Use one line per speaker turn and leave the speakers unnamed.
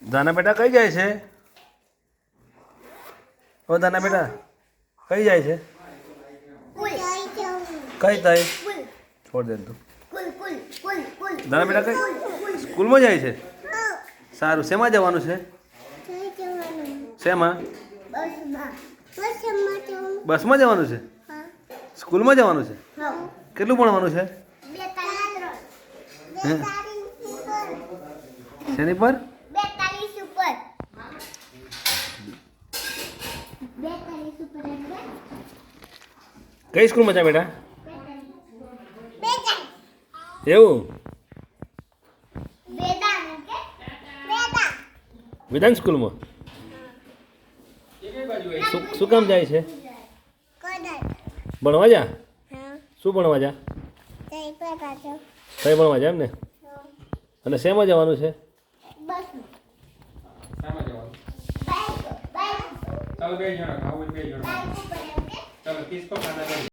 દાના બેટા કઈ જાય છે? ઓ દાના બેટા કઈ જાય છે? કઈ તઈ છોડ દે તું. દાના બેટા કઈ સ્કૂલમાં જાય છે? સારું. શેમાં જવાનું છે? શેમાં? બસમાં જવાનું છે? સ્કૂલમાં જવાનું છે? કેટલું ભણવાનું છે? શેની પર? કઈ સ્કૂલમાં છે બેટા? એવું? વેદાંત સ્કૂલમાં? શું કામ જાય છે? ભણવા જા? શું ભણવા જા? કઈ ભણવા જા એમ ને? અને શેમાં જવાનું છે?
ચાલો બે જણા ખાવું બે જણા ચાલો કિસકો ખાના